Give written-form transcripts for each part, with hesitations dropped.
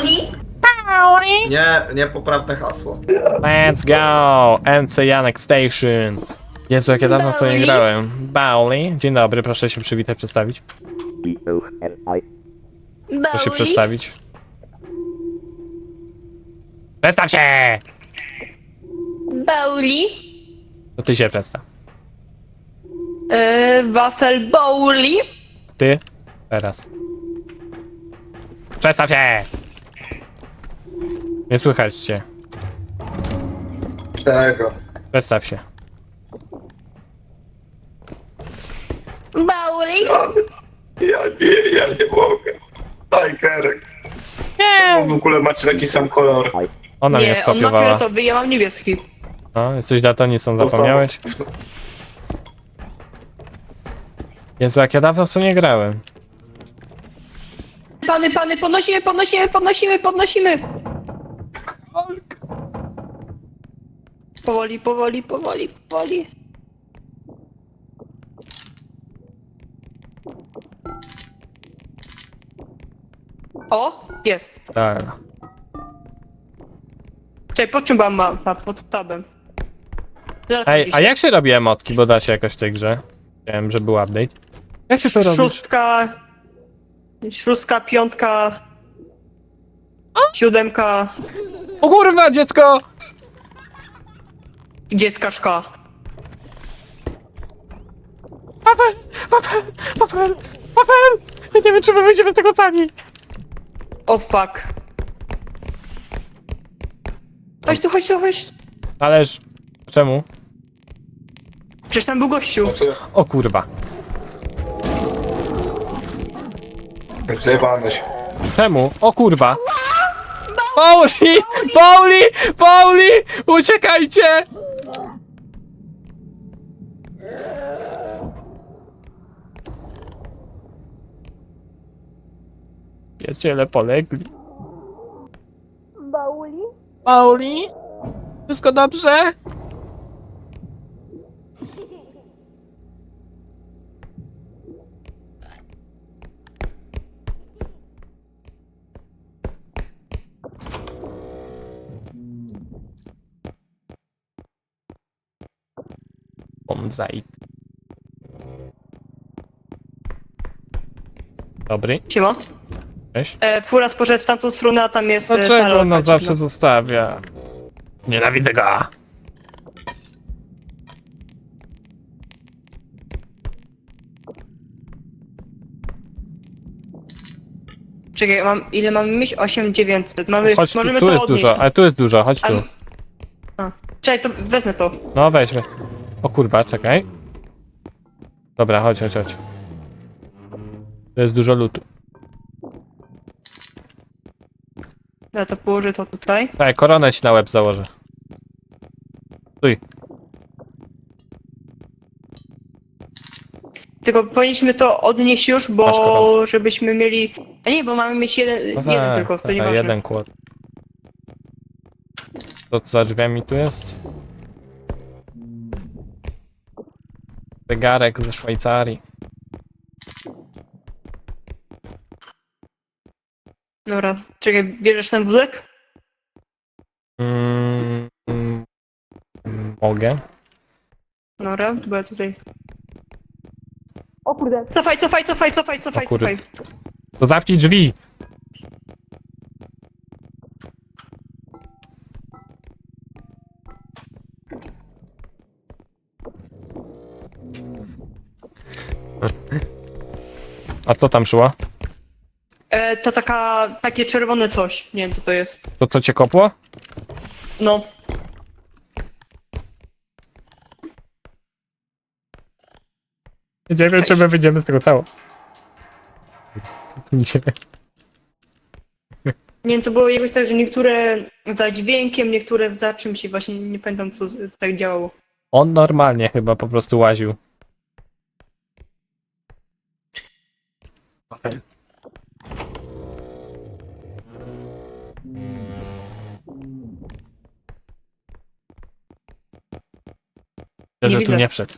Nie poprawne hasło. Let's go! MC Janek Station. Jezu, jak ja dawno w to nie Bauli? grałem. Bauli. Dzień dobry, proszę się przywitać, przedstawić. Proszę się Bauli? przedstawić. Przedstaw się! Bauli? To ty się przedstaw. Wafel Bauli? Ty? Teraz. Przedstaw się! Nie słychać cię. Czego? Przedstaw się. Bauli? Ja nie mogę. Tajkerek. Nie! W ogóle macie taki sam kolor. Ona mnie Nie, on ma skopiowała. fioletowy, ja mam niebieski. No, jesteś daltonistą, zapomniałeś? Jezu, jak ja dawno w to nie grałem. Pany, podnosimy! Powoli. O, jest. Tak. Czekaj, pod czym mam mapa? Pod tabem. Ej, a jak się robi emotki, bo da się jakoś w tej grze? Wiem, że był update. Jak się to robi? Szóstka, piątka, siódemka, O kurwa, dziecko! dziecka szka. Papel! Ja nie wiem, czy my wyjdziemy z tego sami. O fuck. Chodź. Ależ... Czemu? Przecież tam był gościu. O kurwa. Zjebanyś. Czemu? O kurwa. Pauli! Uciekajcie! Przyjaciele polegli. Pauli? Wszystko dobrze? Bonzait. Dobry, Siema. cześć. Furat poszedł w tamtą stronę, a tam jest Dlaczego ta on nas lalka zawsze dziwna. zostawia? Nienawidzę go! Czekaj, ile mamy mieć? 8900. Chodź tu, Możemy tu to jest odnieść. dużo, ale tu jest dużo, chodź tu. Czekaj, to wezmę to. No weźmy. O kurwa, czekaj. Dobra, chodź. To jest dużo lutu. Ja to położę to tutaj. Tak, koronę ci na łeb założę. Stój. Tylko powinniśmy to odnieść już, Masz bo koronę. żebyśmy mieli... A nie, bo mamy mieć jeden tak, tylko, to tak, nieważne. jeden kład. To co za drzwiami tu jest? Zegarek ze Szwajcarii. Dobra, czekaj, bierzesz ten wózek? Mogę? Dobra, bo ja tutaj... O kurde. Cofaj. O kurde. To zamknij drzwi! A co tam szło? To takie czerwone coś. Nie wiem co to jest. To co cię kopło? No. Nie wiem, czy my wyjdziemy z tego cało. Nie wiem, to było jakoś tak, że niektóre za dźwiękiem, niektóre za czymś i właśnie nie pamiętam co tak działało. On normalnie chyba po prostu łaził. Nie Że tu widzę. nie wszedł.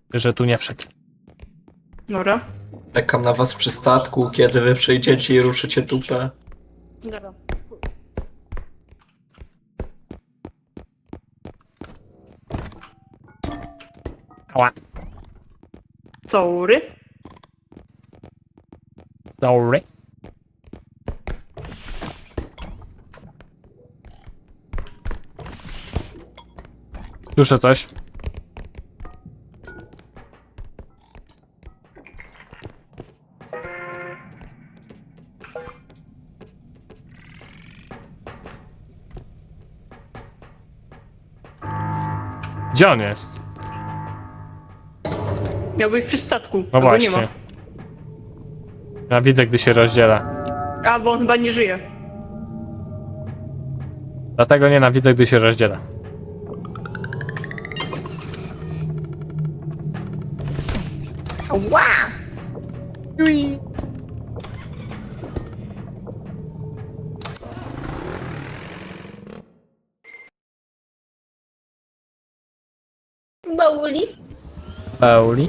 że tu nie wszedł. Dobra. Czekam na was przy statku, kiedy wy przyjdziecie i ruszycie dupę. Dobra. Ała. Sorry. Sorry. Słyszę coś. Gdzie on jest? Miał być przy statku. No a go nie właśnie. ma. Ja widzę, gdy się rozdziela. A, bo on chyba nie żyje. Dlatego nienawidzę, gdy się rozdziela. Ła! Bauli? Pauli.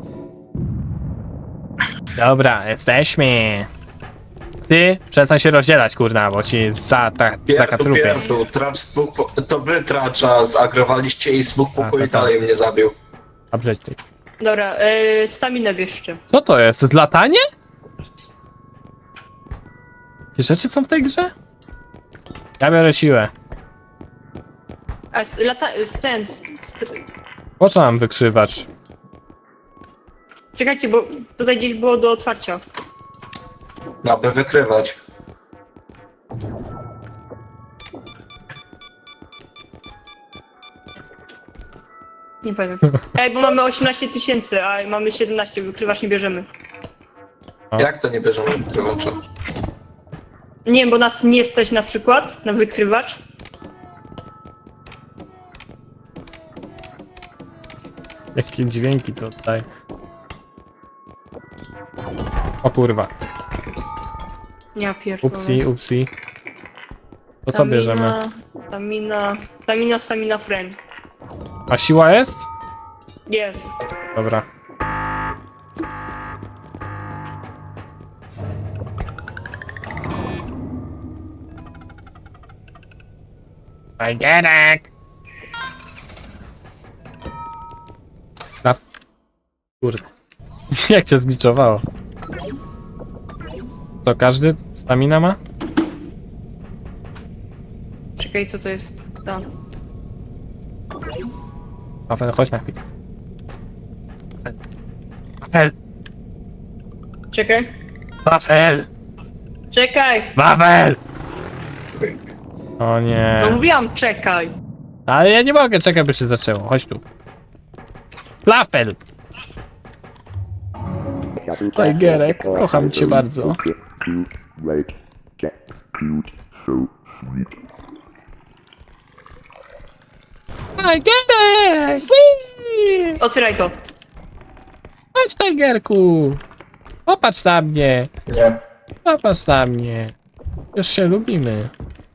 Dobra, jesteśmy. Ty, przestań się rozdzielać, kurna, bo ci zakatrupię. Pierdu, tracz dwóch to wy tracza zagrowaliście i z dwóch pokoi to tak. dalej mnie zabił. Dobrze, ty. Dobra, staminę bierzcie. Co to jest? To jest latanie? Jakie rzeczy są w tej grze? Ja biorę siłę. A, Po co mam wykrzywać? czekajcie, bo tutaj gdzieś było do otwarcia. No, aby wykrywać. Nie pamiętam. Ej, bo mamy 18 000, a mamy 17, wykrywacz nie bierzemy. A. Jak to nie bierzemy wykrywacza? Nie wiem, bo nas nie stać na przykład na wykrywacz. Jakie dźwięki tutaj. O kurwa. Ja pierdolę. Upsi. To co bierzemy? Stamina friend. A siła jest? Jest. Dobra. Fajgerek! Kurde. Jak cię zgliczowało? Co, każdy stamina ma? Czekaj, co to jest? Tam. Wafel, chodź na chwilę. Wafel! Czekaj. Wafel! Czekaj! Wafel! O nie. No mówiłam, czekaj! Ale ja nie mogę, czekaj, by się zaczęło. Chodź tu. Wafel! Fajgerek, kocham cię bardzo. Fajgerek! Whee! Otwieraj to. Chodź, Tigerku! Popatrz na mnie! Nie. Popatrz na mnie! Już się lubimy.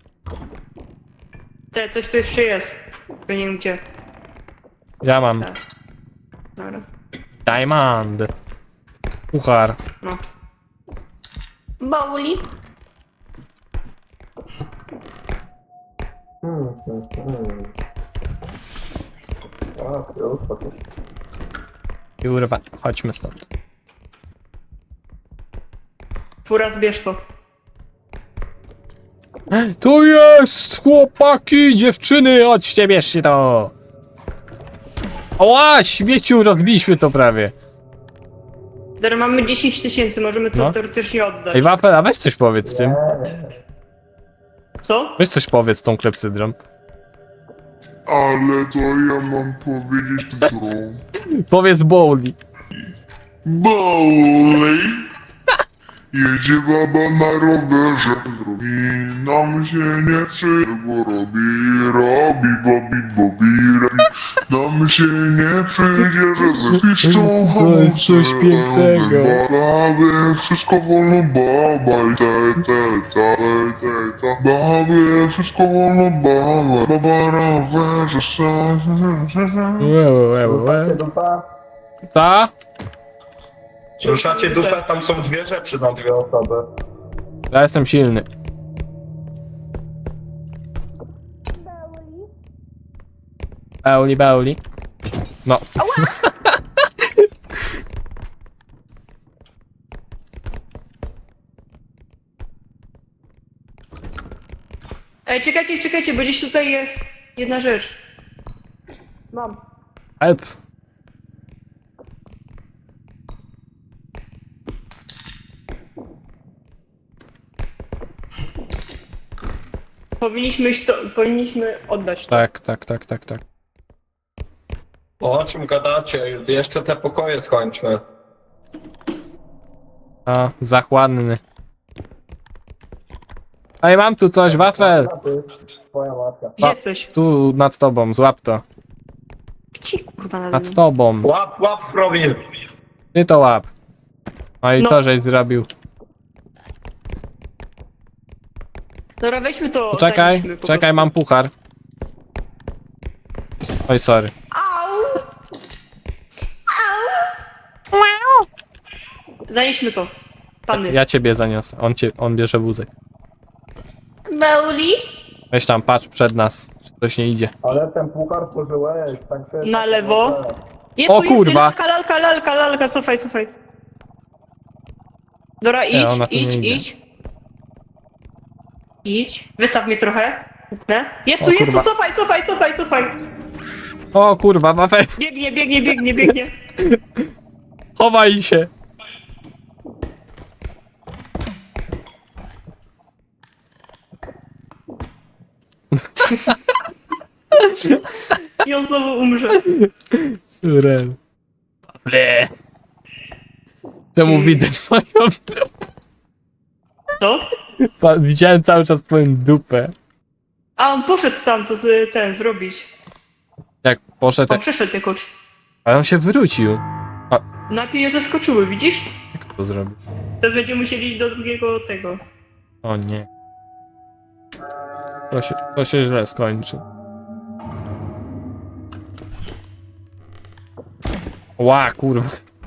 Coś tu jeszcze jest. Tylko nie wiem gdzie. Ja mam Teraz. Dobra. diamond. Puchar. No. Bauli? Kurwa, chodźmy stąd. Fura, zbierz to. Tu jest! Chłopaki, dziewczyny, chodźcie, bierzcie to! Oła, śmieciu, rozbiliśmy to prawie. Teraz mamy 10 000, możemy to No. teoretycznie oddać. Ej, Wafel, a weź coś powiedz z tym. Co? Weź coś powiedz z tą klepsydrą. Ale to ja mam powiedzieć którą? Powiedz Bowli. Bowley! Jedzie baba na rowerze i nam się nie chce, bo robi, nam się nie przyjdzie, że zapiszczą To jest coś pięknego. Baby, wszystko wolno, baba i baby, wszystko wolno, baba na rowerze, Co? Ruszacie dupę, tam są dwie rzeczy na dwie osoby. Ja jestem silny. Beuli. No. Ej, czekajcie, bo gdzieś tutaj jest jedna rzecz. Mam. Help. Powinniśmy oddać to. Tak. O czym gadacie? Jeszcze te pokoje skończmy. A, zachłanny. Ej, mam tu coś, wafel! Twoja matka. Gdzie jesteś? Tu nad tobą, złap to. Gdzie kurwa nade Nad mną? tobą. Łap, Fromil. Ty to łap. No i No. co żeś zrobił? Dobra, weźmy to. Czekaj, zajmijmy po czekaj, mam puchar. Oj, sorry. prostu. Zanieśmy to. Panny. Ja ciebie zaniosę, on bierze wózek. Beuli? Weź tam, patrz przed nas, czy coś nie idzie. Ale ten puchar pożyłeś, tak się... Na lewo. Jest O tu, jest kurwa. lalka, cofaj. Dobra, Nie, ona tu nie idzie. Idź. Wystaw mnie trochę. Puknę. Jest O tu, kurwa. cofaj. O kurwa, wafel, Biegnie. chowaj się. I on znowu umrze. Rel. Wafle. Czemu widzę twoją dupę? Co? Widziałem cały czas twoją dupę. A on poszedł tam, co ten zrobić. Jak poszedł, On przeszedł jakoś. ale on się wrócił. Najpierw nie zaskoczyły, widzisz? Jak to zrobił? Teraz będziemy musieli iść do drugiego tego. O nie. To się źle skończy. Ła, kurwa.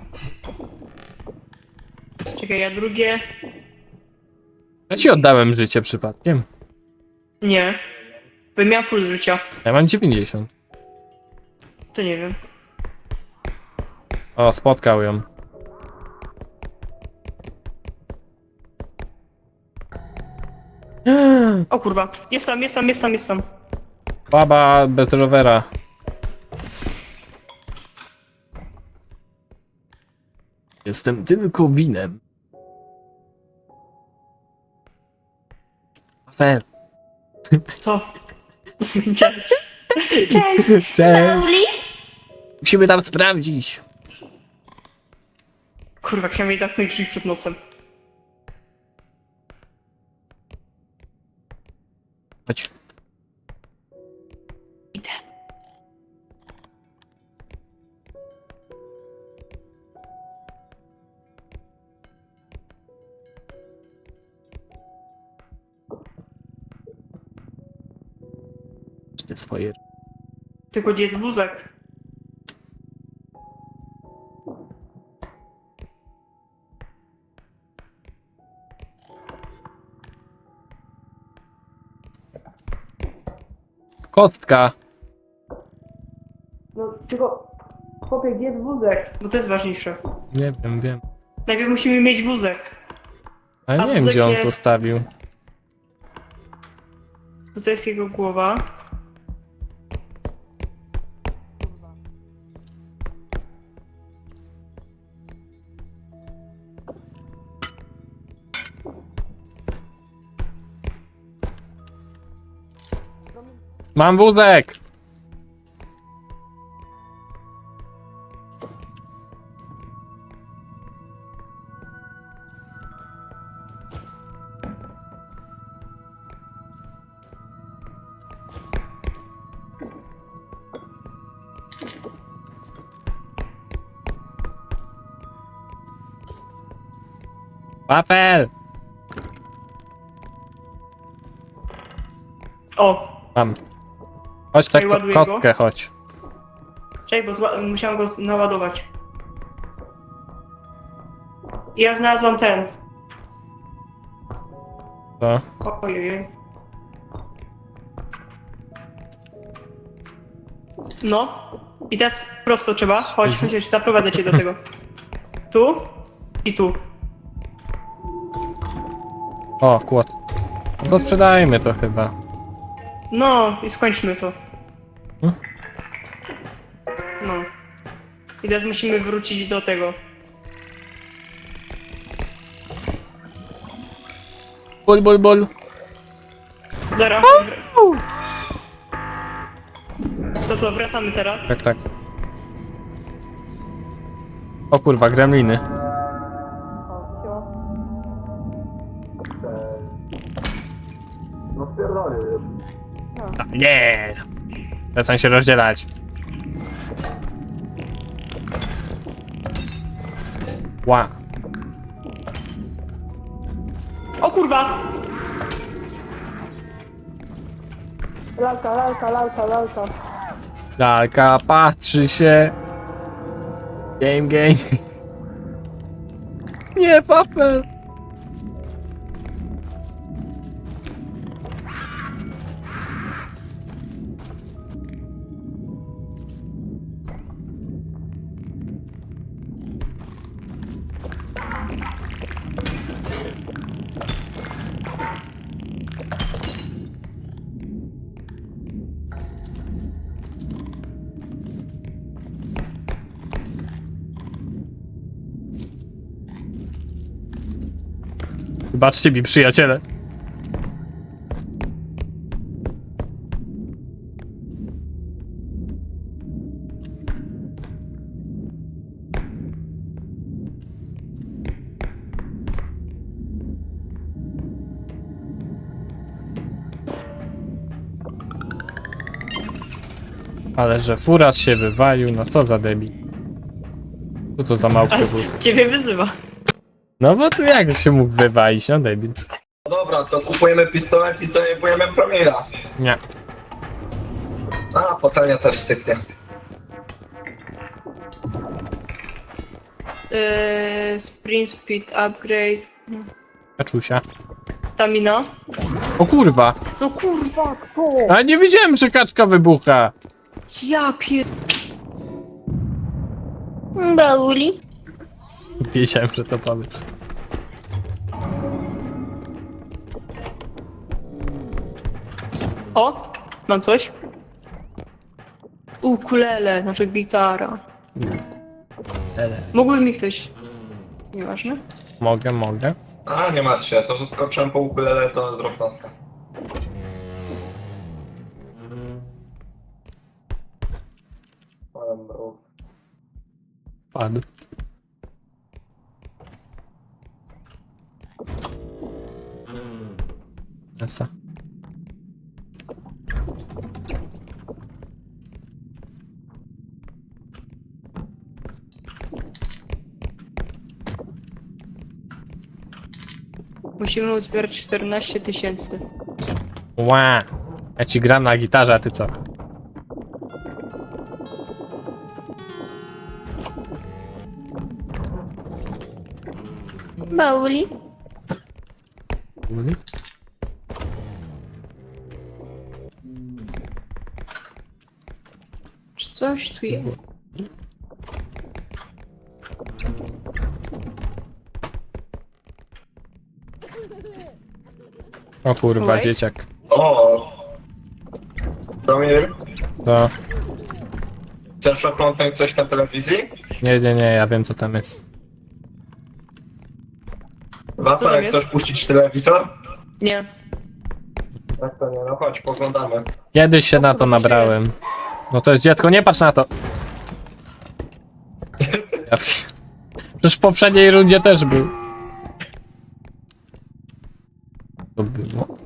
Czekaj, ja drugie... Ja ci oddałem życie przypadkiem. Nie. Bo miałem full życia. Ja mam 90. To nie wiem. O, spotkał ją. O kurwa. Jest tam. Baba bez rowera. Jestem tylko winem. Fair. Co? Cześć. Cześć. Cześć. Musimy tam sprawdzić. Kurwa, chciałem jej zamknąć drzwi przed nosem. Chodź. Idę. Te swoje. Tylko gdzie jest wózek? Kostka. No, tylko... Chłopie, gdzie jest wózek? Bo to jest ważniejsze. Nie wiem. Najpierw musimy mieć wózek. Ale A nie wiem, wózek gdzie on jest- zostawił. Tutaj jest jego głowa. Mam wózek! Wafel! O! Mam. Chodź tak, Ładuję go. kostkę, chodź. Czekaj, bo musiałem go naładować. Ja znalazłam ten. To. Ojej. No. I teraz prosto trzeba. Chodź, zaprowadzę cię do tego. Tu i tu. O, kłod. No to sprzedajmy to chyba. No i skończmy to. Hmm? No. I teraz musimy wrócić do tego. Bol. Zaraz. To co, wracamy teraz? Tak. O kurwa, gremliny. No spierdolę już. Nie! Przestań się rozdzielać. Ła. O kurwa! Lalka. Lalka patrzy się. Game. Nie, papel. Wybaczcie mi, przyjaciele. Ale że furas się wywalił, no co za debil. Co to za małpka Aż był? ciebie wyzywa. No bo tu jak się mógł wywalić, no debil. No dobra, to kupujemy pistolet i zajebujemy promila. Nie. A, pocenia też styknie. Sprint speed upgrade. Kaczusia. Stamina. O kurwa! No kurwa, kto? A nie wiedziałem, że kaczka wybucha! Ja pier... Bauli. Wiedziałem, że to powiesz. O! Mam coś. Ukulele, znaczy gitara. Mógłby mi ktoś... Nieważne. Mogę. A, nie martw się, to że skoczyłem po ukulele, to zrób taska. Padł. Esa. Musimy uzbierać 14 000. Ła! Ja ci gram na gitarze, a ty co? Bauli. Czy coś tu jest? O kurwa, Oj. dzieciak. O! Promil, To... chcesz oglądać coś na telewizji? Nie, ja wiem co tam jest. Co Wapa, tam jak jest? chcesz puścić telewizor? Nie. Tak to nie, no chodź, poglądamy. Kiedyś się na to nabrałem. No to jest dziecko, nie patrz na to! Przecież w poprzedniej rundzie też był. To było.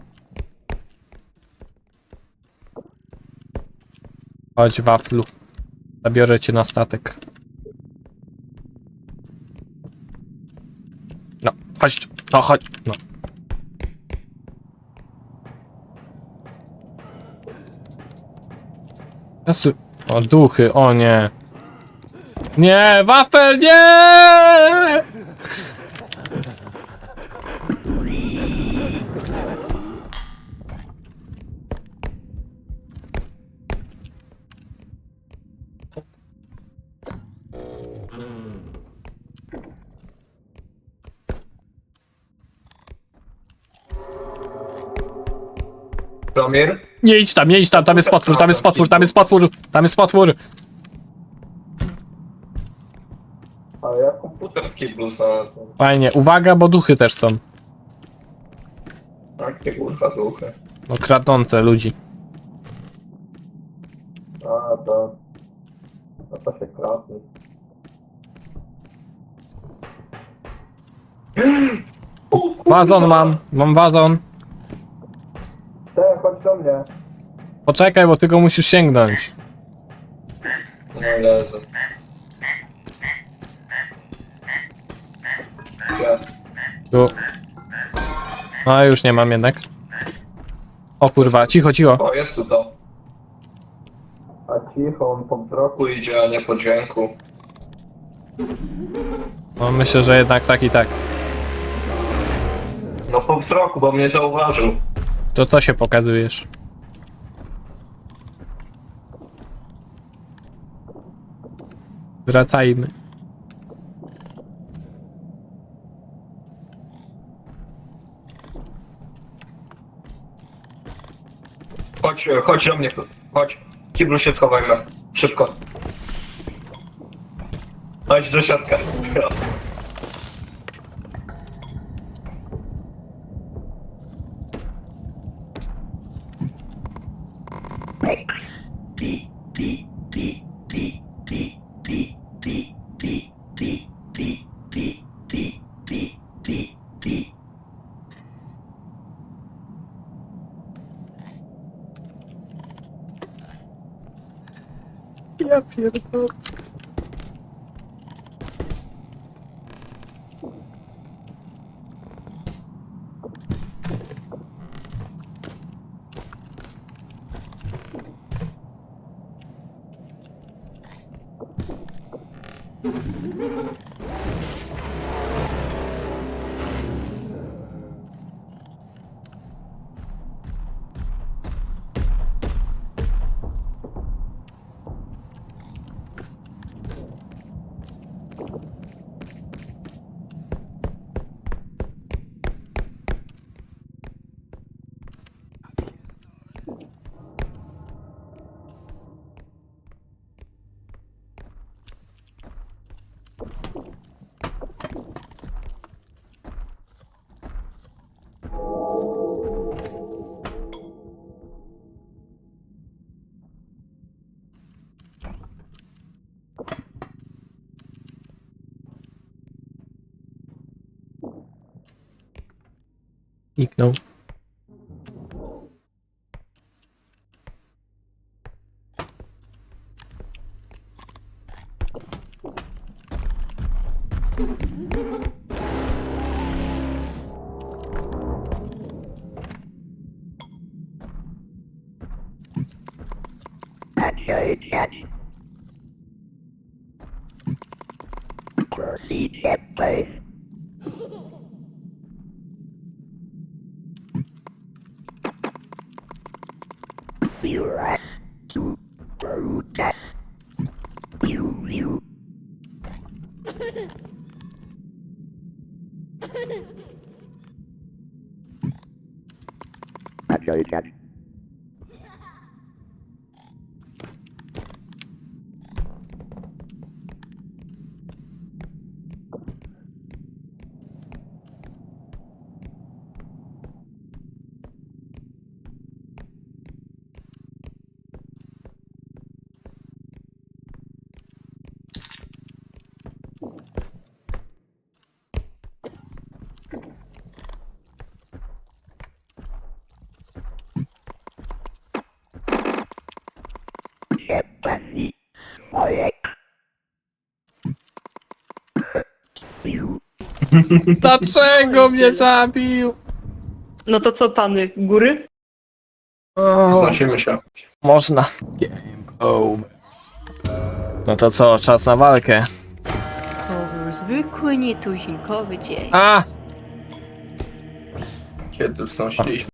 Chodź, waflu. Zabiorę cię na statek. No, chodź, no chodź, no. Jezu. O, duchy, o nie. Nie, wafel, nie! Promir? Nie idź tam, tam jest potwór, tam jest potwór, tam jest potwór, tam jest potwór. Ale ja komputer w kiblu znalazłem. Fajnie, uwaga, bo duchy też są. Jakie kurwa duchy. No kradnące ludzi. A, to... No to się kradnie. Wazon mam wazon. Chodź do mnie. Poczekaj, bo ty go musisz sięgnąć. No leży. Gdzie? Tu. No już nie mam jednak. O kurwa, cicho, cicho. O, jest tu to. A cicho, on po wzroku idzie, a nie po dźwięku. No myślę, że jednak tak i tak. No po wzroku, bo mnie zauważył. To co się pokazujesz? Wracajmy. Chodź do mnie, chodź. W kiblu się schowajmy. Szybko. Chodź do środka. Ja pierdolę. Niknął. Proceed at place. You right to protest. You. Catch. Pani Ojek. Dlaczego mnie zabił? No to co, pany? Góry? Znosimy się. Można. No to co, czas na walkę. To był zwykły, nietuzinkowy dzień. A! Kiedy wznosiliśmy